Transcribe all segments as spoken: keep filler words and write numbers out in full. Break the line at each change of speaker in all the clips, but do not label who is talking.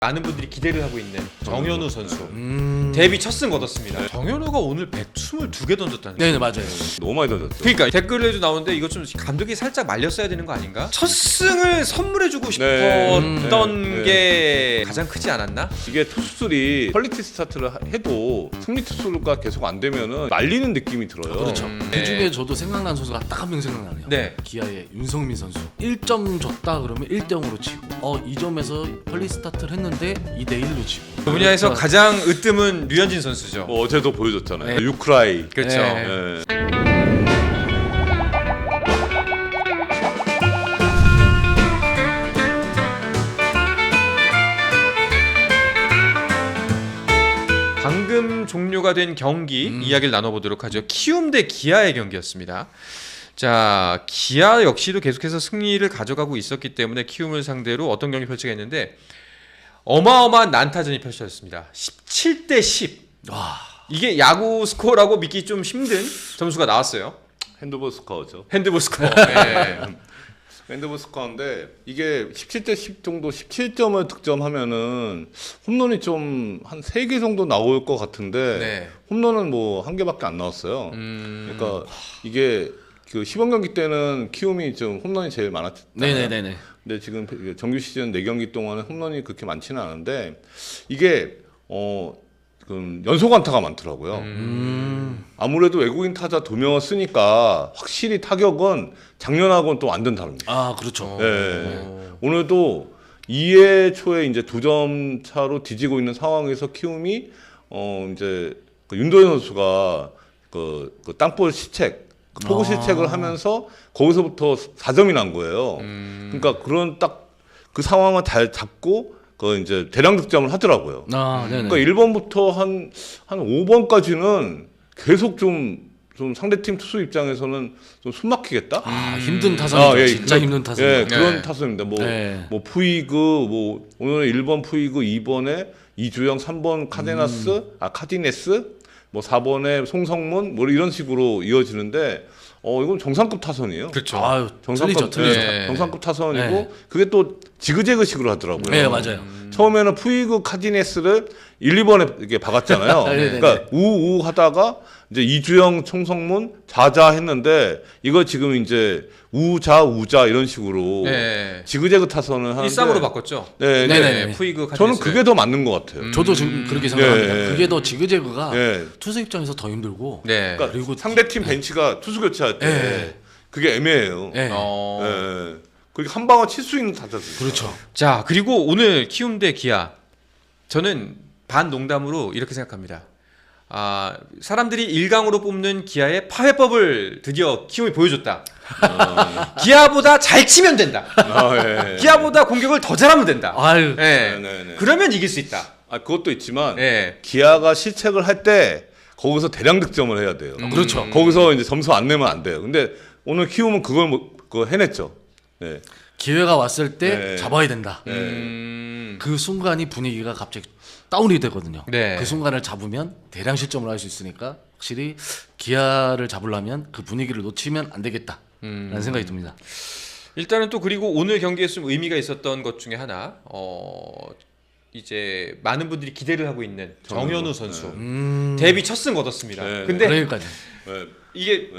많은 분들이 기대를 하고 있는 정현우 선수
음...
데뷔 첫 승 거뒀습니다. 정현우가 오늘 백이십이 개 던졌다는
네네 맞아요.
너무 많이 던졌죠.
그러니까 댓글에도 나오는데 이거 좀 감독이 살짝 말렸어야 되는 거 아닌가? 첫 승을 선물해주고 싶었던
네. 네.
게 가장 크지 않았나?
이게 투수들이 퀄리티 스타트를 해도 승리 투수가 계속 안 되면은 말리는 느낌이 들어요.
그렇죠.
음,
그
네.
중에 저도 생각난 선수가 딱 한 명 생각나네요.
네.
기아의 윤성민 선수. 일 점 줬다 그러면 일 대 영으로 치고 어 이 점에서 퀄리티 스타트를 했는데 이 대 일로 치고.
그 분야에서 가장 으뜸은 류현진 선수죠.
뭐 어제도 보여줬잖아요.
네.
유크라이.
그렇죠.
네.
네.
방금 종료가 된 경기
음.
이야기를 나눠보도록 하죠. 키움 대 기아의 경기였습니다. 자, 기아 역시도 계속해서 승리를 가져가고 있었기 때문에 키움을 상대로 어떤 경기 펼치겠는데 어마어마한 난타전이 펼쳐졌습니다. 십칠 대 십.
와.
이게 야구 스코어라고 믿기 좀 힘든 점수가 나왔어요.
핸드볼 스코어죠.
핸드볼 스코어. 네.
핸드볼 스코어인데 이게 십칠 대 십 정도 십칠 점을 득점하면은 홈런이 좀 한 세 개 정도 나올 것 같은데
네.
홈런은 뭐 한 개밖에 안 나왔어요.
음...
그러니까 이게 그 시범 경기 때는 키움이 좀 홈런이 제일 많았잖아요.
네네네네.
근데 지금 정규 시즌 네 경기 동안은 홈런이 그렇게 많지는 않은데 이게 어 그 연속 안타가 많더라고요.
음.
아무래도 외국인 타자 두 명을 쓰니까 확실히 타격은 작년하고는 또 완전 다릅니다.
아 그렇죠.
네. 오늘도 이 회 초에 이제 두 점 차로 뒤지고 있는 상황에서 키움이 어 이제 그 윤도현 선수가 그, 그 땅볼 실책, 그 포구
아.
실책을 하면서 거기서부터 사 점이 난 거예요.
음...
그러니까 그런 딱 그 상황을 잘 잡고 그 이제 대량 득점을 하더라고요.
아 네네.
그러니까 일 번부터 한 한 오 번까지는 계속 좀 좀 상대팀 투수 입장에서는 좀 숨막히겠다.
아 힘든 타선이죠.
아, 예,
진짜
그런-
힘든 타선.
예,
네.
그런 타선입니다. 뭐,
네.
뭐 푸이그, 뭐 오늘 일 번 푸이그, 이 번에 이주영, 삼 번 카데나스,
음.
아 카디네스, 뭐 사 번에 송성문, 뭐 이런 식으로 이어지는데, 어 이건 정상급 타선이에요.
그렇죠.
아유 틀리죠,
정상급,
틀리죠.
네.
정상급 타선이고
네.
그게 또 지그재그식으로 하더라고요.
네 맞아요.
처음에는 푸이그 카디네스를 일, 이 번에 이렇게 박았잖아요.
네, 네, 네.
그러니까 우우 하다가 이제 이주영, 총성문 자자 했는데 이거 지금 이제 우자 우자 이런 식으로
네.
지그재그 타선을 하는데
일삼으로 바꿨죠.
네,
네,
네.
네.
푸이그
저는 그게 더 맞는 것 같아요.
음.
저도 지금 그렇게 생각합니다.
네.
그게 더 지그재그가
네.
투수 입장에서 더 힘들고.
네.
그러니까
그리고
상대팀 벤치가 투수 교체할 때
네.
그게 애매해요.
네.
어...
네. 그리고 한 방울 칠 수 있는 타자들.
그렇죠.
자, 그리고 오늘 키움 대 기아. 저는 반 농담으로 이렇게 생각합니다. 아, 사람들이 일 강으로 뽑는 기아의 파회법을 드디어 키움이 보여줬다.
어.
기아보다 잘 치면 된다.
아, 예.
기아보다 공격을 더 잘하면 된다.
아유.
네.
네, 네, 네.
그러면 이길 수 있다.
아 그것도 있지만
네.
기아가 실책을 할 때 거기서 대량 득점을 해야 돼요.
그렇죠.
거기서 이제 점수 안 내면 안 돼요. 근데 오늘 키움은 그걸 뭐, 그거 해냈죠. 네.
기회가 왔을 때
네.
잡아야 된다.
네.
음...
그 순간이 분위기가 갑자기 다운이 되거든요.
네.
그 순간을 잡으면 대량 실점을 할 수 있으니까 확실히 기아를 잡으려면 그 분위기를 놓치면 안 되겠다라는
음...
생각이 듭니다.
일단은 또 그리고 오늘 경기에 좀 의미가 있었던 것 중에 하나, 어 이제 많은 분들이 기대를 하고 있는 정현우 선수
음...
데뷔 첫 승 거뒀습니다.
네.
근데
그러니까요.
네.
이게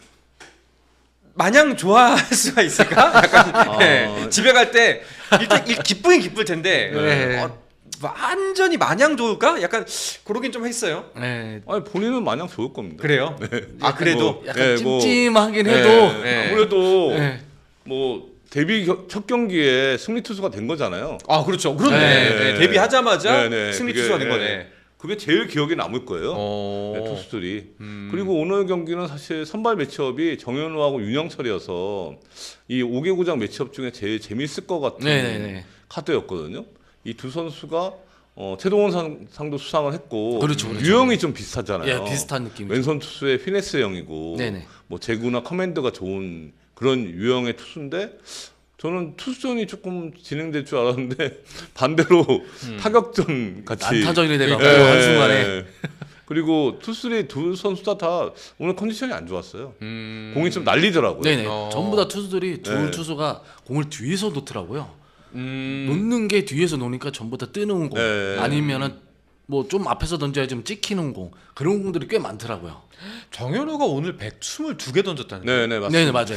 마냥 좋아할 수가 있을까? 약간 네. 집에 갈 때 일단 일- 기쁘긴 기쁠 텐데
네.
어, 완전히 마냥 좋을까? 약간 그러긴 좀 했어요.
네.
아니 본인은 마냥 좋을 겁니다.
그래요? 아 그래도
뭐,
약간
네, 뭐,
찜찜하긴
네,
해도
네.
아무래도
네.
뭐 데뷔 겨- 첫 경기에 승리 투수가 된 거잖아요.
아 그렇죠. 그렇네.
네.
네. 데뷔하자마자
네, 네.
승리
그게,
투수가 된
네.
거네.
그게 제일 기억에 남을 거예요.
어...
네, 투수들이.
음...
그리고 오늘 경기는 사실 선발 매치업이 정현우하고 윤영철이어서 이 오 개 구장 매치업 중에 제일 재밌을 것 같은
네네네.
카드였거든요. 이 두 선수가 어, 최동원 상, 상도 수상을 했고
그렇죠, 그렇죠.
유형이 좀 비슷하잖아요.
예, 비슷한 느낌.
왼손 투수의 피네스 형이고
네네.
뭐 제구나 커맨드가 좋은 그런 유형의 투수인데 저는 투수전이 조금 진행될 줄 알았는데 반대로
음.
타격전 같이
난타전이 돼가지고
예,
한순간에
그리고 투수들이 두 선수 다, 다 오늘 컨디션이 안 좋았어요.
음...
공이 좀 날리더라고요.
네네.
어.
전부 다 투수들이 두
네.
투수가 공을 뒤에서 놓더라고요.
음.
놓는 게 뒤에서 노니까 전부 다 뜨는 공
네.
아니면은 뭐 좀 앞에서 던져야 좀 찍히는 공 그런 공들이 꽤 많더라고요.
정현우가 오늘 백이십이 개 던졌다는 거예요.
네네 맞습니다.
네네 맞아요.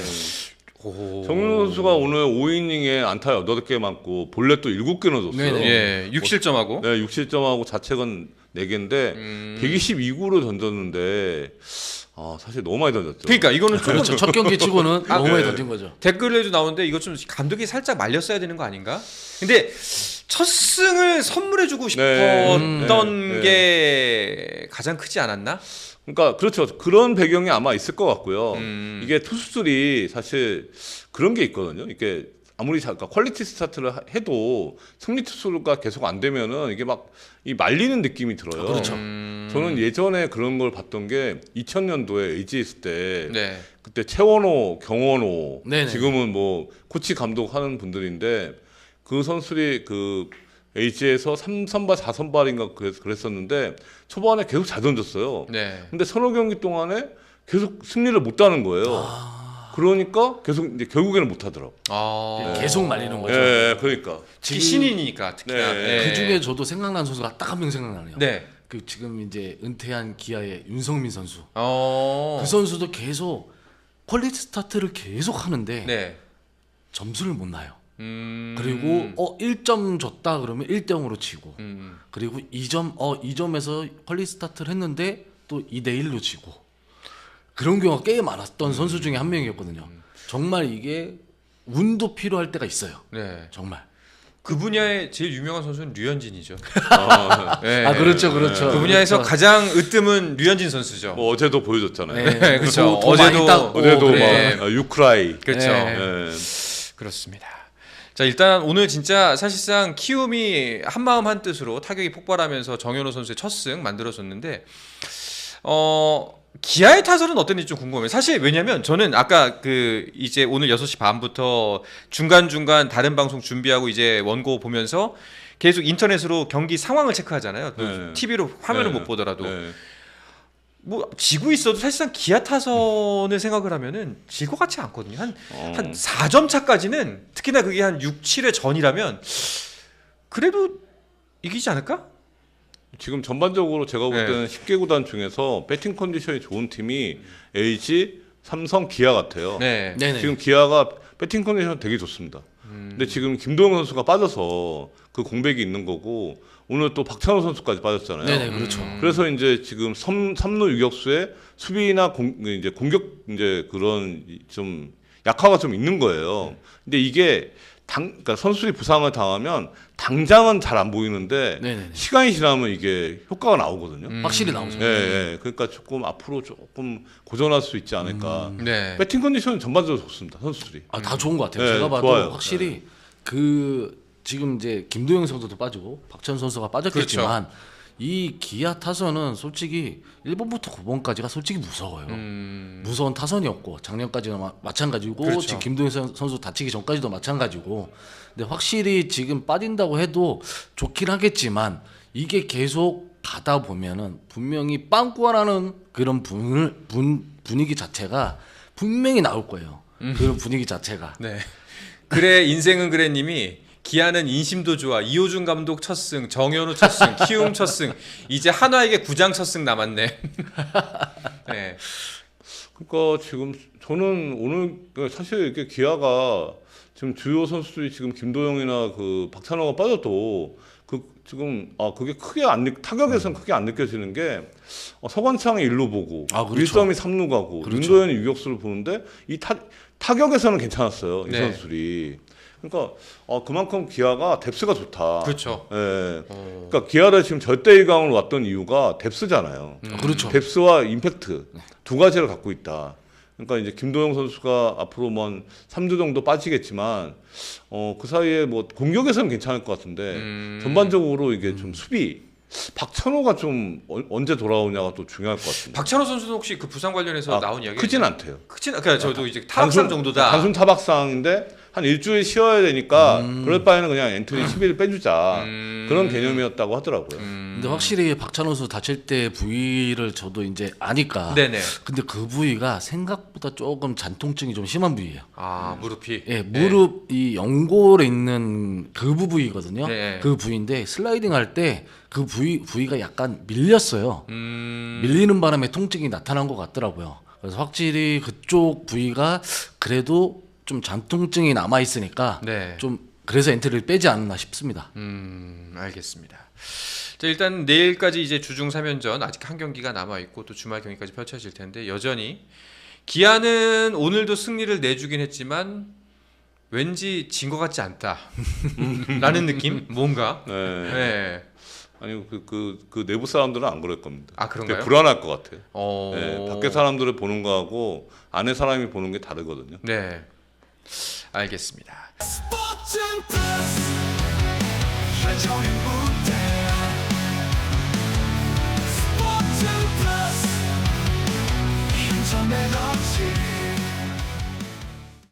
오.
정윤호 선수가 오늘 오 이닝에 안타 여덟 개 맞고 볼넷도 일곱 개 넣어줬어요.
네네.
예, 육 실점하고.
네, 육 실점하고 자책은 네 개인데
음.
백이십이 구를 던졌는데 아, 사실 너무 많이 던졌죠.
그러니까 이거는 조금
그렇죠. 첫 경기 치고는
아,
너무 많이
네.
던진 거죠.
댓글에도 나오는데 이거 좀 감독이 살짝 말렸어야 되는 거 아닌가? 근데 첫 승을 선물해주고
네.
싶었던
음. 네.
게 가장 크지 않았나?
그러니까 그렇죠. 그런 배경이 아마 있을 것 같고요.
음.
이게 투수들이 사실 그런 게 있거든요. 이게 아무리 자, 그러니까 퀄리티 스타트를 하- 해도 승리 투수가 계속 안 되면은 이게 막 이 말리는 느낌이 들어요.
그렇죠.
음.
저는 예전에 그런 걸 봤던 게 이천 년도에 에이지 있을 때
네.
그때 최원호, 경원호
네네.
지금은 뭐 코치 감독 하는 분들인데 그 선수들이 그 에이지에서 삼 선발, 사 선발인가 그랬, 그랬었는데 초반에 계속 잘 던졌어요.
네.
근데 서너 경기 동안에 계속 승리를 못 따는 거예요.
아.
그러니까 계속 이제 결국에는 못 하더라고.
아.
계속 말리는 거죠.
예, 그러니까.
특히 신인이니까 특히나.
네.
그 중에 저도 생각나는 선수가 딱 한 명 생각나네요.
네.
그 지금 이제 은퇴한 기아의 윤성민 선수.
어.
그 선수도 계속 퀄리티 스타트를 계속 하는데
네.
점수를 못 나요.
음.
그리고 어 일 점 줬다 그러면 일 대 영으로 치고
음.
그리고 이 점 어 이 점에서 퀄리티 스타트를 했는데 또 이 대 일로 지고 그런 경우가 꽤 많았던 선수 중에 한 명이었거든요. 정말 이게 운도 필요할 때가 있어요.
네.
정말.
그 분야의 제일 유명한 선수는 류현진이죠.
아,
네.
아 그렇죠, 그렇죠.
그 분야에서
그렇죠.
가장 으뜸은 류현진 선수죠.
뭐 어제도 보여줬잖아요.
네,
그렇죠.
도- 도
어제도-
많이 땄고,
어제도
그래.
막 아, 유크라이.
그렇죠.
네.
예.
그렇습니다. 자 일단 오늘 진짜 사실상 키움이 한 마음 한 뜻으로 타격이 폭발하면서 정현호 선수의 첫 승 만들어줬는데 어 기아의 타선은 어땠는지 좀 궁금해요. 사실 왜냐면 저는 아까 그 이제 오늘 여섯 시 반부터 중간중간 다른 방송 준비하고 이제 원고 보면서 계속 인터넷으로 경기 상황을 체크하잖아요.
네.
티비로 화면을
네.
못 보더라도
네.
뭐 지고 있어도 사실상 기아 타선을 생각을 하면은 질 것 같지 않거든요. 한
어.
한 사 점 차까지는 특히나 그게 한 육, 칠 회 전이라면 그래도 이기지 않을까?
지금 전반적으로 제가 볼
네.
때는 십 개 구단 중에서 배팅 컨디션이 좋은 팀이 에이지, 삼성, 기아 같아요.
네.
네네.
지금 기아가 배팅 컨디션 되게 좋습니다.
음.
근데 지금 김도영 선수가 빠져서 그 공백이 있는 거고 오늘 또 박찬호 선수까지 빠졌잖아요.
네네 그렇죠.
음.
그래서 이제 지금 삼, 삼루 유격수에 수비나 공, 이제 공격 이제 그런 좀 약화가 좀 있는 거예요. 근데 이게 당, 그러니까 선수들이 부상을 당하면 당장은 잘 안 보이는데
네네네.
시간이 지나면 이게 효과가 나오거든요.
음.
확실히 나오죠.
예, 예. 그러니까 조금 앞으로 조금 고전할 수 있지 않을까.
네.
배팅 컨디션은 전반적으로 좋습니다. 선수들이.
아, 다 좋은 것 같아요.
네,
제가 봐도
좋아요.
확실히 그 지금 이제 김도영 선수도 빠지고 박찬 선수가 빠졌겠지만
그렇죠.
이 기아 타선은 솔직히 일 번부터 구 번까지가 솔직히 무서워요.
음.
무서운 타선이었고 작년까지는 마, 마찬가지고
그렇죠.
지금 김도영 선- 선수 다치기 전까지도 마찬가지고 근데 확실히 지금 빠진다고 해도 좋긴 하겠지만 이게 계속 가다 보면은 분명히 빵꾸라는 그런 분, 분, 분위기 자체가 분명히 나올 거예요.
음.
그런 분위기 자체가.
네. 그래 인생은 그래님이 기아는 인심도 좋아. 이호준 감독 첫 승, 정현우 첫 승, 키움 첫 승. 이제 한화에게 구장 첫 승 남았네. 네.
그러니까 지금 저는 오늘 사실 이게 기아가 지금 주요 선수들이 지금 김도영이나 그 박찬호가 빠져도 그 지금 아 그게 크게 안 느, 타격에서는 크게 안 느껴지는 게 어, 서관창이 일루 보고
아, 그렇죠.
일섬이 삼루 가고
그렇죠.
윤도현이 유격수를 보는데 이 타, 타격에서는 괜찮았어요 이
네.
선수들이. 그러니까 어, 그만큼 기아가 뎁스가 좋다.
그렇죠.
예.
어.
그러니까 기아를 지금 절대 일 강으로 왔던 이유가 뎁스잖아요.
음.
그렇죠.
뎁스와 임팩트 두 가지를 갖고 있다. 그러니까 이제 김도영 선수가 앞으로 뭐 삼 주 정도 빠지겠지만 어, 그 사이에 뭐 공격에서는 괜찮을 것 같은데
음.
전반적으로 이게 좀 수비 박찬호가 좀 어, 언제 돌아오냐가 또 중요할 것 같습니다.
박찬호 선수는 혹시 그 부상 관련해서
아,
나온 이야기
크진 않대요.
크진 않. 그러니까 저도 이제 타박상 정도다.
단순 타박상인데 한 일주일 쉬어야 되니까 그럴 바에는 그냥 엔트리 십 일 빼주자
음.
그런 개념이었다고 하더라고요.
음.
근데 확실히 박찬호 선수 다칠 때 부위를 저도 이제 아니까.
네네.
근데 그 부위가 생각보다 조금 잔통증이 좀 심한 부위예요.
아 무릎이.
예, 무릎 이 연골에 있는 그 부위거든요.
네.
그 부위인데 슬라이딩 할 때 그 부위 부위가 약간 밀렸어요.
음.
밀리는 바람에 통증이 나타난 것 같더라고요. 그래서 확실히 그쪽 부위가 그래도 좀 잔통증이 남아 있으니까
네.
좀 그래서 엔트리를 빼지 않았나 싶습니다.
음, 알겠습니다. 자, 일단 내일까지 이제 주중 삼 연전 아직 한 경기가 남아 있고 또 주말 경기까지 펼쳐질 텐데 여전히 기아는 오늘도 승리를 내주긴 했지만 왠지 진 것 같지 않다라는 느낌? 뭔가.
네.
네.
아니 그, 그, 그 내부 사람들은 안 그럴 겁니다.
아, 그런가요?
되게 불안할 것 같아요.
어.
네, 밖에 사람들을 보는 거하고 안에 사람이 보는 게 다르거든요.
네. 알겠습니다.
스포츠는 플러스 최종의 무대 스포츠는 플러스 힘좀 에너지